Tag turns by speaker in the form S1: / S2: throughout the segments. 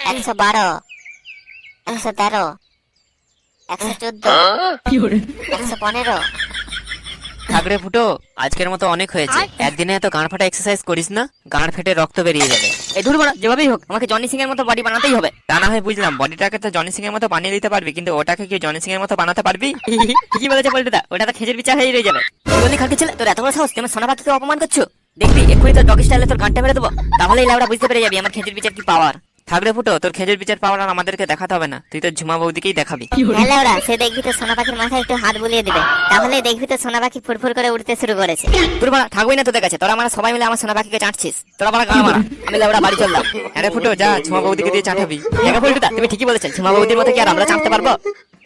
S1: 112, 113, 114, 115।
S2: থাকরে ফুটো, আজকের মতো অনেক হয়েছে। একদিনে এত গাঁড় ফাটা এক্সারসাইজ করিস না, গাঁড় ফেটে রক্ত বেরিয়ে যাবে।
S3: এই ধুর বড়া, যেভাবেই হোক আমাকে জনি সিং এর মতো বডি বানাতেই হবে।
S2: তা না হয় বুঝলাম, বডিটাকে তো জনি সিং এর মতো বানিয়ে দিতে পারবি, কিন্তু ওটাকে কি জনি সিং এর মতো বানাতে পারবি?
S3: ঠিকই বলেছে পল্টুদা, ওটা তো খেজের বিচার হয়ে রয়ে যাবে। তুই বলি খালকে ছেলে, তোর এত বড় সাহস, তুই আমার সোনা পাখিকে অপমান করছো? দেখবি এক্ষুনি তোর ডগি স্টাইলে তোর গানটা মেরে দেবো, তাহলেই লাউড়া বুঝতে পেরে যাবি আমার খেজের বিচার কি পাওয়ার।
S2: থাকরে ফুটো, তোর খেজুর বিচার পাওয়ার আর আমাদেরকে দেখাতে হবে না, তুই তো ঝুমা বৌদিকেই দেখাবি।
S1: হ্যাঁ ওরা, সে দেখবি তো সোনা পাখির মাথায় একটু হাত বুলিয়ে দিবে, তাহলে দেখবি তো সোনা পাখি ফুরফুর করে উঠতে শুরু করেছে।
S3: তোর বড়া থাকবই না তোদের কাছে, তোরা আমরা সবাই মিলে আমার সোনা পাখিকে চাটছিস। তোরা বড়া গান মারা, আমি লাউড়া বাড়ি চললাম।
S2: আরে ফুটো যা, ঝুমা বৌদিকে দিয়ে চাটাবি।
S3: দেখো পল্টুদা, তুমি ঠিকই বলেছো, ঝুমা বৌদির মতো কি আর আমরা চাটতে পারবো?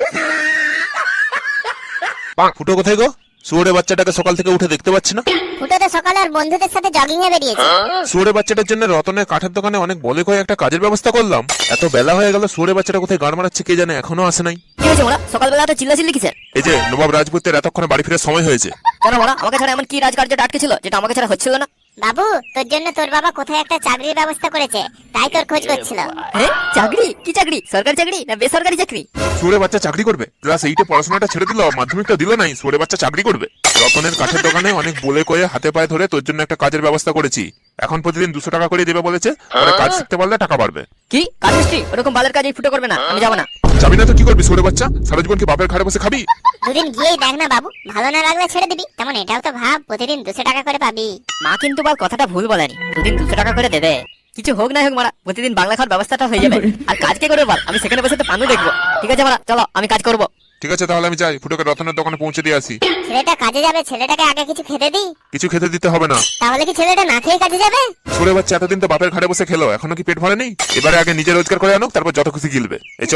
S4: ফুটো কোথায় গো? শুয়োরের বাচ্চাটাকে সকাল থেকে উঠে দেখতে পাচ্ছি না।
S1: ফুটো তো সকালে আর বন্ধুদের সাথে জগিং এ বেরিয়েছে।
S4: শুয়োরের বাচ্চাটার জন্য রতনের কাঠের দোকানে অনেক বলে কয়ে একটা কাজের ব্যবস্থা করলাম। এত বেলা হয়ে গেল, শুয়োরের বাচ্চাটা কোথায় গান মারাচ্ছে কে জানে, এখনো আসে নাই।
S3: কি হয়েছে মোড়া, সকালবেলা তো চিল্লাচিল্লি কিসের?
S4: এই যে নবাব রাজপুতের এতক্ষণে বাড়ি ফেরার সময় হয়েছে।
S3: কেন মোড়া, আমাকে ছাড়া এমন কি রাজকার্যটা আটকে ছিল যেটা আমাকে ছাড়া হচ্ছিল না?
S1: বাবু, তোর জন্য তোর বাবা কোথায় একটা চাকরির ব্যবস্থা করেছে, তাই তোর খোঁজ করছিল।
S3: হ্যাঁ, চাকরি? কি চাকরি? সরকারি চাকরি না বেসরকারি চাকরি?
S4: শুয়োরের বাচ্চা চাকরি করবে? ক্লাস 8 পড়াশোনাটা ছেড়ে দিল, মাধ্যমিকটা দিল নাই, শুয়োরের বাচ্চা চাকরি করবে। রতনের কাঠের দোকানে অনেক বলে কয়ে হাতে পায়ে ধরে তোর জন্য একটা কাজের ব্যবস্থা করেছি। এখন প্রতিদিন 200 টাকা করে দেবে বলেছে, পরে কাজ শিখতে পারলে টাকা বাড়বে।
S3: কি কাজ মিস্ত্রি? ওরকম বালের কাজ এই ফুটো করবে না, আমি যাবো না।
S4: যাবি না তো কি করবি? শুয়োরের বাচ্চা সারা জীবন কি বাপের ঘাড়ে বসে খাবি?
S1: দুদিন গিয়েই দেখ না বাবু, ভালো না লাগলে ছেড়ে দিবি। তেমন এটাও তো ভাব, প্রতিদিন 200 টাকা করে পাবি।
S3: মা কিন্তু বাল কথাটা ভুল বলেনি, দুদিন 200 টাকা করে দেবে। কিছু হোক না হোক মারা, প্রতিদিন বাংলা খাওয়ার ব্যবস্থাটা হয়ে যাবে। আর কাজ কে করবে বল? আমি সেখানে বসে তো পানু দেখবো। ঠিক আছে মারা, চলো আমি কাজ করবো।
S4: ঠিক আছে, তাহলে আমি যাই, ফুটোকে রতনের দোকানে পৌঁছে দিয়ে আসি।
S1: ছেলেটা কাজে যাবে, ছেলেটাকে আগে কিছু খেতে দি।
S4: কিছু খেতে দিতে হবে না।
S1: তাহলে কি ছেলেটা না খেয়ে কাজে যাবে?
S4: শুয়োরের বাচ্চা এতদিন তো বাপের ঘাড়ে বসে খেলো, এখনো কি পেট ভরে নেই? এবারে আগে নিজে রোজগার করে আনুক, তারপর যত খুশি গিলবে। এই চ।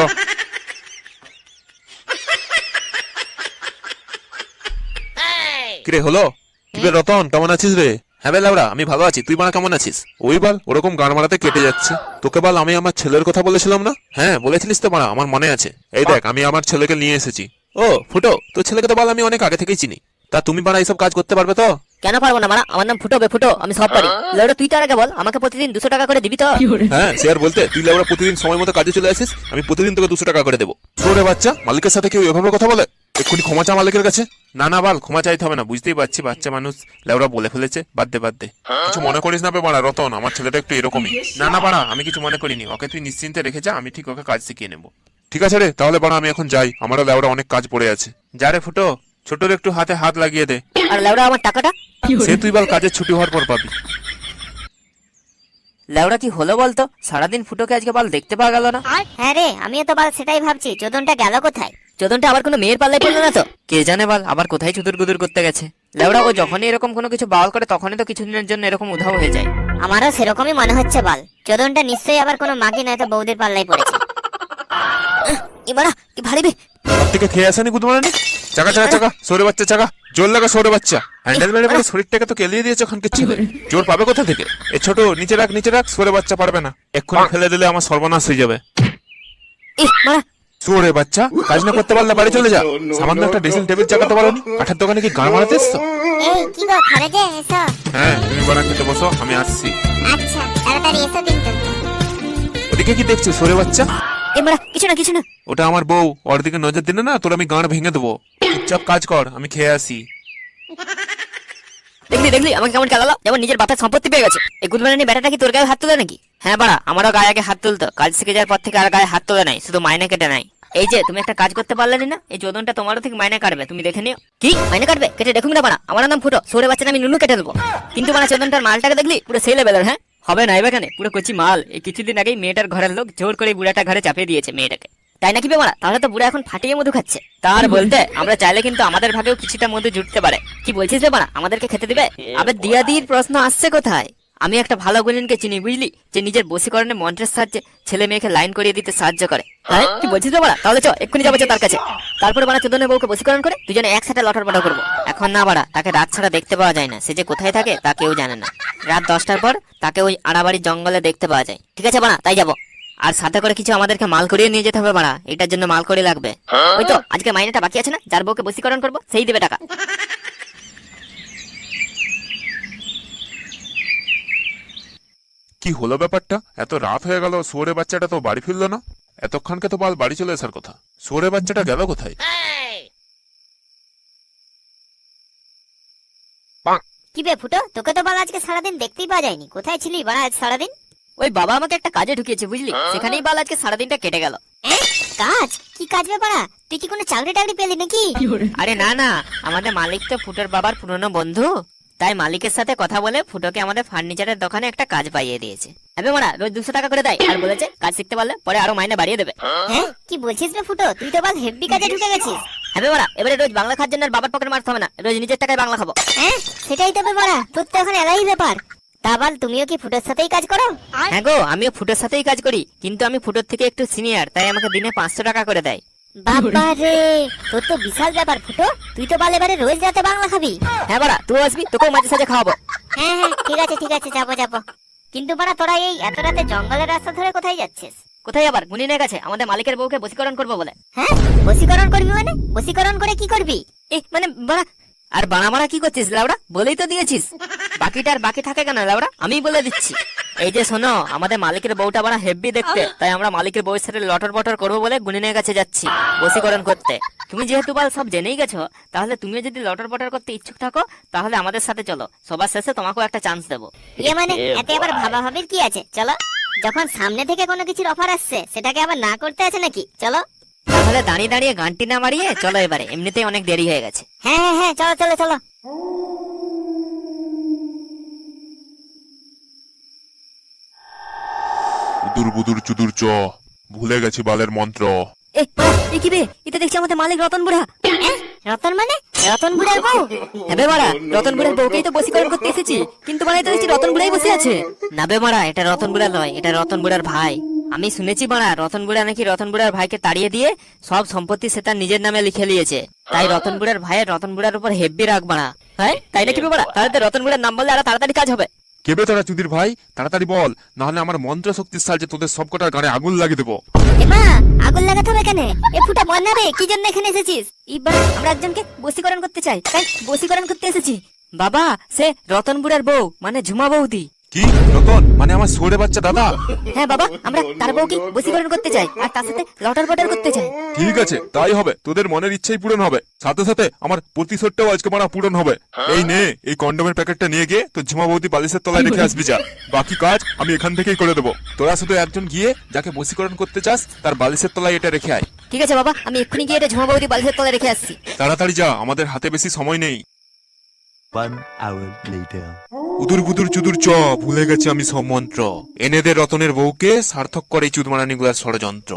S4: কিরে হলো? কিরে রতন, কেমন আছিস রে? হ্যাঁ বেলাউড়া, আমি ভালো আছি, তুই বানা কেমন আছিস? ওই বল, ওরকম গান মারাতে কেটে যাচ্ছে। তোকে বল, আমি আমার ছেলের কথা বলেছিলাম না? হ্যাঁ বলেছিলিস তো বানা, আমার মনে আছে। এই দেখ, আমি আমার ছেলেকে নিয়ে এসেছি। ও ফুটো, তোর ছেলেকে তো বল আমি অনেক আগে থেকেই চিনি। তা তুমি বানা এইসব কাজ করতে পারবে তো?
S3: কেন পারবো না মারা, আমার নাম ফুটো বে ফুটো, আমি সব পারি। লেউড়া তুই তার আগে বল, আমাকে প্রতিদিন 200 টাকা করে দিবি তো?
S4: হ্যাঁ সে আর বলতে, তুই লেবরা প্রতিদিন সময় মতো কাজে চলে আসিস, আমি প্রতিদিন তোকে 200 টাকা করে দেবো। শুয়োরের বাচ্চা, মালিকের সাথে কেউ এভাবে কথা বলে? এক্ষুনি ক্ষমা চা মালিকের কাছে। না না বাল, ক্ষমা চাইতে হবে না, বুঝতেই পারছি বাচ্চা মানুষ, লেবরা বলে ফেলেছে, বাদ দে বাদ দে। কিছু মনে করিস না বে বাড়া রতন, আমার ছেলেটা একটু এরকমই। না না বাড়া, আমি কিছু মনে করিনি, ওকে তুই নিশ্চিন্তে রেখে যা, আমি ঠিক ওকে কাজ শিখিয়ে নেবো। ঠিক আছে রে, তাহলে বাড়া আমি এখন যাই, আমারও লেবরা অনেক কাজ পড়ে আছে। যা রে ফুটো, ছোটর একটু হাতে হাত লাগিয়ে দে।
S3: আর লেউড়া আমার টাকাটা?
S4: সে তুই বল কাজের ছুটি হওয়ার পর পাবি।
S2: লেওড়া কি হলো বলতো, সারাদিন ফুটোকে আজকে বল দেখতে পাওয়া গেল না।
S1: হ্যাঁ রে, আমিও তো বাল সেটাই ভাবছি, চোদনটা গেল কোথায়?
S3: চোদনটা আবার কোনো মেয়ের পাল্লায় পড়লো না তো?
S2: কে জানে বল, আবার কোথায় চুদুর গুদুর করতে গেছে। লেওড়া ও যখনই এরকম কোনো কিছু বাউল করে, তখনই তো কিছুদিনের জন্য এরকম উধাও হয়ে যায়।
S1: আমারও সেরকমই মনে হচ্ছে বাল, চোদনটা নিশ্চয়ই আবার কোনো মাগি নয়তো বৌদির পাল্লায় পড়েছে।
S3: এবারা কি ভারী বে।
S4: সব থেকে খেয়ে আসেনি গুদমারানি। চাকা চাকা চাকা, সরে বাচ্চা চাকা, জোর লাগা সরে বাচ্চা। হ্যান্ডেল মেরে মেরে শরীরটাকে তো কেলিয়ে দিয়েছে ওখানকার ছেলে, জোর পাবে কোথা থেকে? এ ছোট, নিচে রাখ নিচে রাখ, সরে বাচ্চা পারবে না, এক্ষুনি ফেলে দিলে আমার সর্বনাশ হয়ে যাবে।
S3: মারা
S4: সরে বাচ্চা, কাজ না করতে পারলে বাড়ি চলে যা। সামান্য একটা ড্রেসিং টেবিল চাকাতে পারোনি, কাঠের দোকানে কি গান মারাতে এসছো?
S1: এই কি গো, খারাজে এসো।
S4: হ্যাঁ তুমি বানা খেতে বসো, আমি আসছি।
S1: আচ্ছা তাড়াতাড়ি এসো কিন্তু।
S4: ওদিকে কি দেখছো সরে বাচ্চা?
S3: এবারা কিছু না কিছু না।
S4: ওটা আমার বউ, ওর দিকে নজর দিলে না তোর আমি গাঁড় ভেঙে দেবো। চুপচাপ কাজ কর, আমি খেয়ে আসি।
S3: দেখলি দেখলি আমাকে কেমন খেলালো, যেমন নিজের বাপের সম্পত্তি পেয়ে গেছে। এই গুদমারানি বেটাটা কি তোর গায়ে হাত তুলে নাকি?
S2: হ্যাঁ বাড়া, আমারও গায়ে আগে হাত তুলতো, কাজ শিখে যাওয়ার পর থেকে আর গায়ে হাত তোলে নাই, শুধু মাইনে কেটে নাই। এই যে তুমি একটা কাজ করতে পারলে না, এই চোদনটা তোমারও ঠিক মাইনে কাটবে, তুমি দেখে নিও।
S3: কি মাইনে কাটবে? কেটে দেখুন না বানা, আমার নাম ফুটো, সরে বাচ্চা আমি নুনু কেটে দেবো। কিন্তু বানা চোদনটার মালটাকে দেখলি পুরো সেই লেভেলের। হ্যাঁ
S2: হবে না এখানে, পুরো কচি মাল। এই কিছুদিন আগেই মেয়েটার ঘরের লোক জোর করে বুড়াটা ঘরে চাপিয়ে দিয়েছে মেয়েটাকে।
S3: তাই নাকি বে মারা? তাহলে তো বুড়া এখন ফাটিয়ে মধু খাচ্ছে।
S2: তার বলতে, আমরা চাইলে কিন্তু আমাদের ভাগেও কিছুটা মধু জুটতে পারে।
S3: কি বলছিস বে মারা, আমাদেরকে খেতে দিবে?
S2: আবে দিয়াদির প্রশ্ন আসছে কোথায়? আমি একটা ভালো গুলিনকে চিনি বুঝলি, যে নিজের বশীকরণে মন্ত্রের সাহায্যে ছেলে মেয়েকে লাইন করিয়ে দিতে সাহায্য করে।
S3: হ্যাঁ কি বলছিস বে মারা? তাহলে চ এক্ষুনি যাবো তার কাছে, তারপরে বানা চোদনের বউকে বশীকরণ করে দুজনে একসাথে লটর পটর করবো।
S2: এখন না বাড়া, তাকে রাত ছাড়া দেখতে পাওয়া যায় না, সে যে কোথায় থাকে তা কেউ জানে না। রাত 10টার পর তাকে ওই আড়াবাড়ির জঙ্গলে দেখতে পাওয়া যায়।
S3: ঠিক আছে বানা, তাই যাবো।
S2: আর সাথে করে কিছু আমাদেরকে মাল করিয়ে নিয়ে যেতে হবে বাড়া, এটার জন্য মাল করি লাগবে।
S3: ওই তো আজকে মাইনেটা বাকি আছে না, যার বউকে বশীকরণ করবো সেই দেবে টাকা।
S4: কি হলো ব্যাপারটা? এত রাত হয়ে গেল, শুয়োরের বাচ্চাটা তো বাড়ি ফিরলো না। এতক্ষণকে তো বাল বাড়ি চলে আসার কথা। শুয়োরের বাচ্চাটা গেল কোথায়?
S1: কি বে ফুটো, তোকে তো বল আজকে সারাদিন দেখতেই পাওয়া যায়নি, কোথায় ছিলি বাড়া আজ সারাদিন?
S3: ওই বাবা আমাকে একটা কাজে ঢুকিয়েছে বুঝলি, সেখানেই বাল আজকে সারাদিনটা কেটে গেল।
S1: কাজ? কি কাজ বে বাড়া? তুই কি কোনো চাকরি টাকরি পেলি নাকি?
S3: আরে না না, আমাদের মালিক তো ফুটোর বাবার পুরনো বন্ধু, তাই মালিকের সাথে কথা বলে ফুটোকে আমাদের ফার্নিচারের দোকানে একটা কাজ পাইয়ে দিয়েছে। আবে মারা রোজ 200 টাকা করে দেয়, আর বলেছে কাজ শিখতে পারলে পরে আরো মাইনে বাড়িয়ে দেবে।
S1: হ্যাঁ কি বলছিস বে ফুটো, তুই তো বল হেভি কাজে ঢুকে গেছিস।
S3: আবে মারা এবারে রোজ বাংলা খাওয়ার জন্য আর বাবার পকেট মারতে হবে না, রোজ নিজের টাকায় বাংলা খাবো।
S1: হ্যাঁ সেটাই তো বে বাড়া, তোর তো এখন এলাই ব্যাপার। তা বল তুমিও কি ফুটোর সাথেই কাজ করো?
S3: হ্যাঁ গো, আমিও ফুটোর সাথেই কাজ করি, কিন্তু আমি ফুটোর থেকে একটু সিনিয়র, তাই আমাকে দিনে 500 টাকা করে দেয়।
S1: বাবা রে, তোর তো বিশাল ব্যাপার ফুটো, তুই তো বল এবারে রোজ রাতে বাংলা খাবি।
S3: হ্যাঁ বাড়া তুই আসবি, তোকেও মাঝে সাঝে খাওয়াবো।
S1: হ্যাঁ হ্যাঁ ঠিক আছে যাবো যাবো। কিন্তু বাড়া তোরা এই এত রাতে জঙ্গলের রাস্তা ধরে কোথায় যাচ্ছিস?
S3: কোথায় আবার গুনিনের কাছে, আমাদের মালিকের বউকে বশীকরণ করবো বলে।
S1: হ্যাঁ বশীকরণ করবি মানে? বশীকরণ করে কি করবি?
S3: মানে বাড়া, আর বাড়া মারা কি করছিস লাউড়া? বলেই তো দিয়েছিস, বাকিটা আর বাকি থাকে কেন লাউড়া, আমিই বলে দিচ্ছি। এই যে শোনো, আমাদের মালিকের বউটা বাড়া হেভি দেখতে, তাই আমরা মালিকের বউয়ের সাথে লটর বটর করবো বলে গুনিনের কাছে যাচ্ছি বশীকরণ করতে। তুমি যেহেতু বাল সব জেনেই গেছো, তাহলে তুমিও যদি লটর বটর করতে ইচ্ছুক থাকো তাহলে আমাদের সাথে চলো, সবার শেষে তোমাকেও একটা চান্স দেবো।
S1: ইয়ে মানে এতে আবার ভাবাভাবির কি আছে? চলো, যখন সামনে থেকে কোনো কিছুর অফার আসছে সেটাকে আবার না করতে আছে নাকি? চলো।
S3: তাহলে দাঁড়িয়ে দাঁড়িয়ে গানটি না মারিয়ে চলো এবারে, এমনিতেই অনেক দেরি হয়ে গেছে।
S1: হ্যাঁ হ্যাঁ হ্যাঁ চলো চলো চলো।
S4: উদুর বুদুর চুদুর চ, ভুলে গেছি বালের মন্ত্র।
S3: এ কি বে, এটা দেখছি আমাদের মালিক রতন বুড়া।
S1: রতন মানে? রতন বুড়ার বউ?
S3: হ্যাঁ মারা, রতন বুড়ার বউকেই তো বশীকরণ করতে এসেছি, কিন্তু মানে তো দেখছি রতন বুড়াই বসে আছে। না বে মারা, এটা রতন বুড়া নয়, এটা রতন বুড়ার ভাই। আমি শুনেছি মারা, রতন বুড়া নাকি রতন বুড়ার ভাইকে তাড়িয়ে দিয়ে সব সম্পত্তি সে তার নিজের নামে লিখে নিয়েছে, তাই রতন বুড়ার ভাইয়ের রতন বুড়ার উপর হেব্বি রাগ মারা। হ্যাঁ তাই নাকি বে মারা? তাহলে তো রতন বুড়ার নাম বললে আরো তাড়াতাড়ি কাজ হবে।
S4: কেবে তোরা চুদির ভাই, তাড়াতাড়ি বল, নাহলে আমার মন্ত্র শক্তির সাহায্যে তোদের সব কটার গাড়ে আগুন লাগিয়ে দেবো।
S1: এমা আগুন লাগাতে হবে কেন? এ ফুটা বন্যাবে, কি জন্য এখানে এসেছিস?
S3: এবার আমরা একজনকে বশীকরণ করতে চাই, তাই বশীকরণ করতে এসেছি। বাবা সে রতন বুড়ার বউ, মানে ঝুমা বৌদি।
S4: কি রতন মানে আমার শুয়োরের বাচ্চা দাদা?
S3: হ্যাঁ বাবা, আমরা তার বউকে বশীকরণ করতে চাই, আর তার সাথে লটার বটার করতে চাই।
S4: ঠিক আছে তাই হবে, তোদের মনের ইচ্ছাই পূরণ হবে, সাথে সাথে আমার প্রতিশোধটাও আজকে মারা পূরণ হবে। এই নে, এই কন্ডোমের প্যাকেটটা নিয়ে গিয়ে তো ঝুমা বৌদি বালিশের তলায় রেখে আসবি যা, বাকি কাজ আমি এখান থেকেই করে দেবো। তোরা শুধু একজন গিয়ে যাকে বশীকরণ করতে চাস তার বালিশের তলায় এটা রেখে আয়।
S3: ঠিক আছে বাবা, আমি এক্ষুনি গিয়ে এটা ঝুমা বৌদি বালিশের তলায় রেখে আসছি।
S4: তাড়াতাড়ি যা, আমাদের হাতে বেশি সময় নেই।
S5: 1 hour later.
S4: উদুর বুদুর চুদুর চ, ভুলে গেছি আমি সব মন্ত্র, এনে দে রতনের বউকে, সার্থক করে এই চুদমারানিগুলার ষড়যন্ত্র।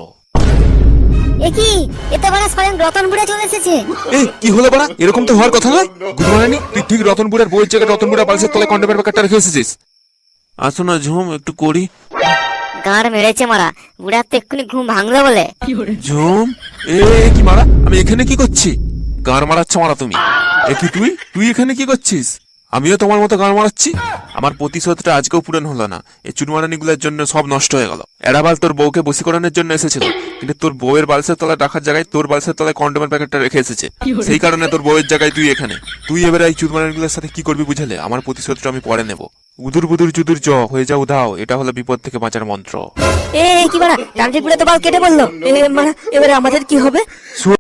S1: এ কি, এতে বড় স্বয়ং রতন বুড়া চলে এসেছে।
S4: এই কি হলো বাড়া, এরকম তো হওয়ার কথা নয়। গুদমারানি তুই ঠিক রতন বুড়ার বউয়ের জায়গায় রতন বুড়া বালিশের তলায় কন্ডোমের প্যাকেটটা রেখে এসেছিস। আসো না ঝুম, একটু করি।
S1: গাঁড় মেরেছে মারা, বুড়ার তো এক্ষুনি ঘুম ভাঙলো বলে।
S4: ঝুম এ কি মারা, আমি এখানে কি করছি? গাঁড় মারাচ্ছ মারা তুমি? এ কি তুই তুই এখানে কি করছিস? আমিও তোমার মতো গাঁড় মারাচ্ছি। আমার প্রতিশোধটা আজকেও পূরণ হলো না, এই চুনমারানিগুলোর জন্য সব নষ্ট হয়ে গেল। এরাবাল তোর বউকে বশীকরণের জন্য এসেছিল, কিন্তু তোর বউয়ের বালিশের তলায় রাখার জায়গায় তোর বালিশের তলায় কন্ডোমের প্যাকেটটা রেখে এসেছে, সেই কারণে তোর বউয়ের জায়গায় তুই এখানে। তুই এবারে এই চুনমারানিগুলোর সাথে কি করবি বুঝলে? আমার প্রতিশোধটা আমি পরে নেব। উদুর বুদুর চুদুর চ, হয়ে যাও উধাও, এটা হলো বিপদ থেকে বাঁচার মন্ত্র।
S3: এ কি বাড়া, তান্ত্রিক বুড়া তো বাল কেটে বললো। মানে এবারে আমাদের কি হবে?